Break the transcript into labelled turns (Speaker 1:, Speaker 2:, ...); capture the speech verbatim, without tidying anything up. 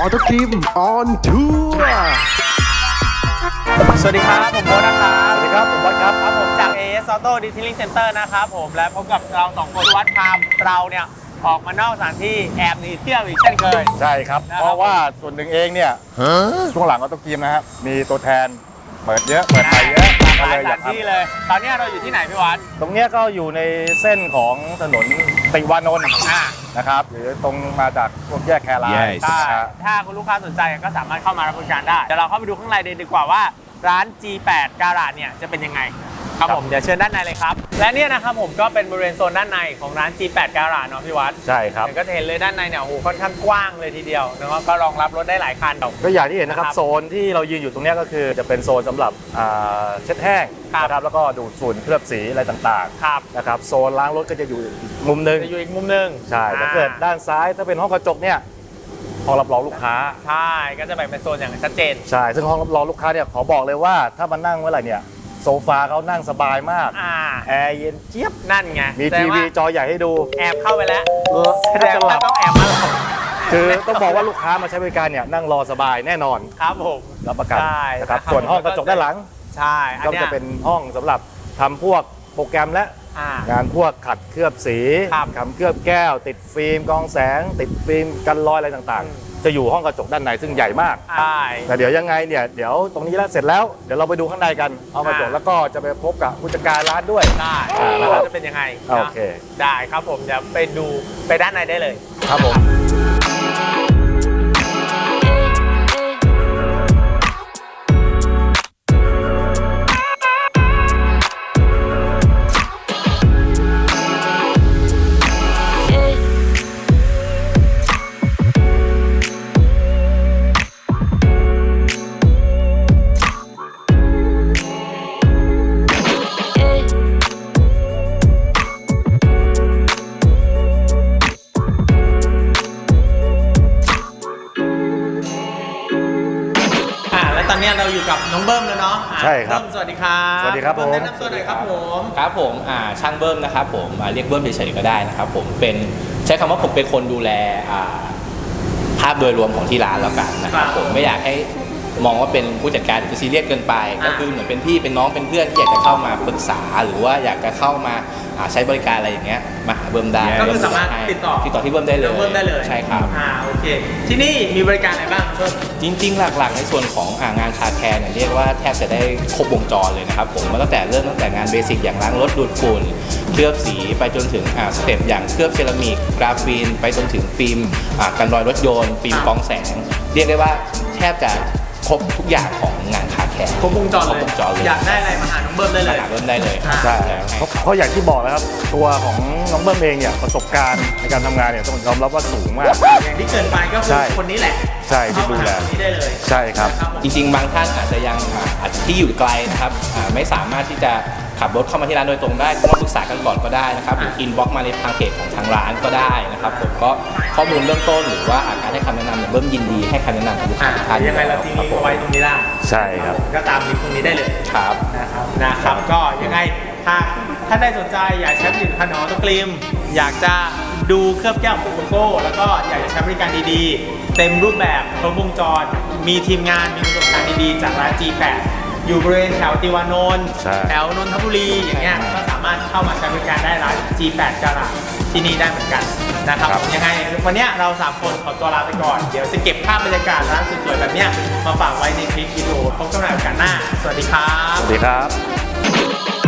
Speaker 1: อโต้ครีมออนทัวร์
Speaker 2: สวัสดีครับผมโบ๊ทนะครับ
Speaker 1: สวัสดีครับผมวัดครับ
Speaker 2: ครับผมจาก เอ เอส Auto Detailing Center นะครับผมและพบกับเราสองคนวัดพามเราเนี่ยออกมานอกสถานที่แอบหนีเที่ยวอีกเช่นเคย
Speaker 1: ใช่ครับเพราะว่าส่วนหนึ่งเองเนี่ยช่วงหลังออโต้ครีมนะครับมีตัวแทนเปิดเยอะเปิดไปเยอะ
Speaker 2: หลายสถานที่เลยตอนนี้เราอยู่ที่ไหนพี่วัด
Speaker 1: ตรงนี้ก็อยู่ในเส้นของถนนติวานนท์นะครับหรือตรงมาจากพวกแยกแคราย
Speaker 2: ถ้าคุณลูกค้าสนใจก็สามารถเข้ามารับบริการได้เดี๋ยวเราเข้าไปดูข้างในดีกว่าว่าร้าน จี แปด Garage เนี่ยจะเป็นยังไงครับผมเดี๋ยวเชิญด้านในเลยครับและเนี่ยนะครับผมก็เป็นบริเวณโซนด้านในของร้าน จี แปด Garage เนาะพี่วัด
Speaker 1: ใช่ครับ
Speaker 2: ก็จะเห็นเลยด้านในเนี่ยโอ้โหค่อนข้างกว้างเลยทีเดียวนะครับก็รองรับรถได้หลายคัน
Speaker 1: ก็อย่างที่เห็นนะครับโซนที่เรายืนอยู่ตรงนี้ก็คือจะเป็นโซนสำหรับเช็ดแห้งนะครับแล้วก็ดูดฝุ่นเคลือบสีอะไรต่างๆนะครับโซนล้างรถก็จะอยู่มุมนึง
Speaker 2: จะอยู่อีกมุมนึง
Speaker 1: ใช่ถ้าเกิดด้านซ้ายถ้าเป็นห้องกระจกเนี่ยห้องรับรองลูกค้า
Speaker 2: ใช่ก็จะแบ่งเป็นโซนอย่างชัดเจน
Speaker 1: ใช่ซึ่งห้องรับรองลูกค้าเนี่ยขอบอกเลยว่าถ้ามานั่งเมื่อไหร่เนี่ยโซฟาเขานั่งสบายมากแอร์เย็นเจี๊ยบ
Speaker 2: นั่นไง
Speaker 1: มีทีวีจอใหญ่ให้ดู
Speaker 2: แอบเข้าไปแล้วแสดงว่าต้องแอบมาหลับ
Speaker 1: คือต้องบอกว่าลูกค้ามาใช้บริการเนี่ยนั่งรอสบายแน่นอน
Speaker 2: ครับผม
Speaker 1: รับประกันนะครับส่วนห้องกระจกด้านหลัง
Speaker 2: ใช่
Speaker 1: ก็จะเป็นห้องสำหรับทำพวกโปรแกรมและงานพวกขัดเคลือบสีขัดเคลือบแก้วติดฟิล์มกองแสงติดฟิล์มกันรอยอะไรต่างๆจะอยู่ห้องกระจกด้านในซึ่งใหญ่มาก
Speaker 2: ใช่
Speaker 1: แต่เดี๋ยวยังไงเนี่ยเดี๋ยวตรงนี้แล้วเสร็จแล้วเดี๋ยวเราไปดูข้างในกันห้องกระจกแล้วก็จะไปพบกับผู้จัดการร้านด้วย
Speaker 2: ได้แล้วจะเป็นยังไง
Speaker 1: โอเค
Speaker 2: ได้ครับผมเดี๋ยวไปดูไปด้านในได้เลย
Speaker 1: ครับผม
Speaker 2: ตอนนี้เราอยู่กับน้องเบิ้มแล้วเนาะ
Speaker 1: ใช่ครับ
Speaker 2: สวัสดีครับ
Speaker 1: สวัสดีครับผม
Speaker 2: แนะนำตัวหน่อยครับผม
Speaker 3: ครับผมอ่าช่างเบิ้มนะครับผมเรียกเบิ้มเฉยๆก็ได้นะครับผมเป็นใช้คำว่าผมเป็นคนดูแลภาพโดยรวมของที่ร้านแล้วกันนะครับผมไม่อยากให้มองว่าเป็นผู้จัดการหรือซีเรียสเกินไปก็คือเหมือนเป็นพี่เป็นน้องเป็นเพื่อนที่อยากจะเข้ามาปรึกษาหรือว่าอยากจะเข้ามาใช้บริการอะไรอย่างเงี้ยมาหาเบิ้มได้
Speaker 2: ก็คือสามารถติดต่อ
Speaker 3: ติดต่อที่เบิ้มได้เลย
Speaker 2: เบิ้มได้เลย
Speaker 3: ใช่ครับ
Speaker 2: อ่าโอเคที่นี่มีบริการอะไรบ้างเบิ้ม
Speaker 3: จริงๆหลักๆในส่วนของงานคาแคร์เนี่ยเรียกว่าแทบจะได้ครบวงจรเลยนะครับผมมาตั้งแต่เริ่มตั้งแต่งานเบสิกอย่างล้างรถดูดฝุ่นเคลือบสีไปจนถึงสเต็ปอย่างเคลือบเซรามิกกราฟีนไปจนถึงฟิล์มกันรอยรถยนต์ฟิล์มกองแสงเรียกได้ว่าแทบจะครบทุกอย่างของงานคาแคร์
Speaker 2: ครบวงจรเลยอยากได้อะไรมาหาน้องเบิ้มได้เลย
Speaker 3: หาเบิ้มได้เลย
Speaker 1: ใช่เพราะอย่างที่บอกนะครับตัวของน้องเบิ้มเองเนี่ยประสบการณ์ในการทำงานเนี่ยต้องยอมรับว่าสูงมาก
Speaker 2: อย่างที่เกินไปก็คือคนนี้แหละ
Speaker 1: ใช่ที่ดูแล
Speaker 2: ได้เลย
Speaker 1: ใช่ครับ
Speaker 3: จริงๆบางท่านอาจจะยังอาจจะที่อยู่ไกลนะครับไม่สามารถที่จะขับรถเข้ามาที่ร้านโดยตรงได้ก็มาปรึกษากันก่อนก็ได้นะครับหรืออินบ็อกซ์มาในทางเพจของทางร้านก็ได้นะครับผมก็ข้อมูลเบื้องต้นหรือว่าการให้คำแนะนำเนี่ยเบิ้มยินดีให้คำแนะนำกับลูกค้าทุกท่าน
Speaker 2: ยังไงเราทิ้งลิงก์ไว้ตรงนี้ได้
Speaker 1: ใช่ครับ
Speaker 2: ก็ตามลิงก์ตรงนี้ได้เลย
Speaker 3: ครับ
Speaker 2: นะครับนะครับก็ยังไงถ้าท่านใดสนใจอยากใช้ผลิตภัณฑ์ออโต้ครีมอยากจะดูเคลือบแก้วของโกโก้แล้วก็อยากจะใช้บริการดีๆเต็มรูปแบบครบวงจรมีทีมงานมีประสบการณ์ดีๆจากร้าน จี แปดอยู่บริเวณแถวติวานนท์แถวนนทบุรีอย่างเงี้ยก็สามารถเข้ามาใช้บริการได้ร้าน จี แปด Garage ที่นี่ได้เหมือนกันนะครับยังไงวันนี้เราสามคนขอตัวลาไปก่อนเดี๋ยวจะเก็บภาพบรรยากาศร้านสวยๆแบบเนี้ยมาฝากไว้ในคลิปวิดีโอพบกันใหม่โอกาสหน้าสวัสดีครับ
Speaker 1: สวัสดีครับ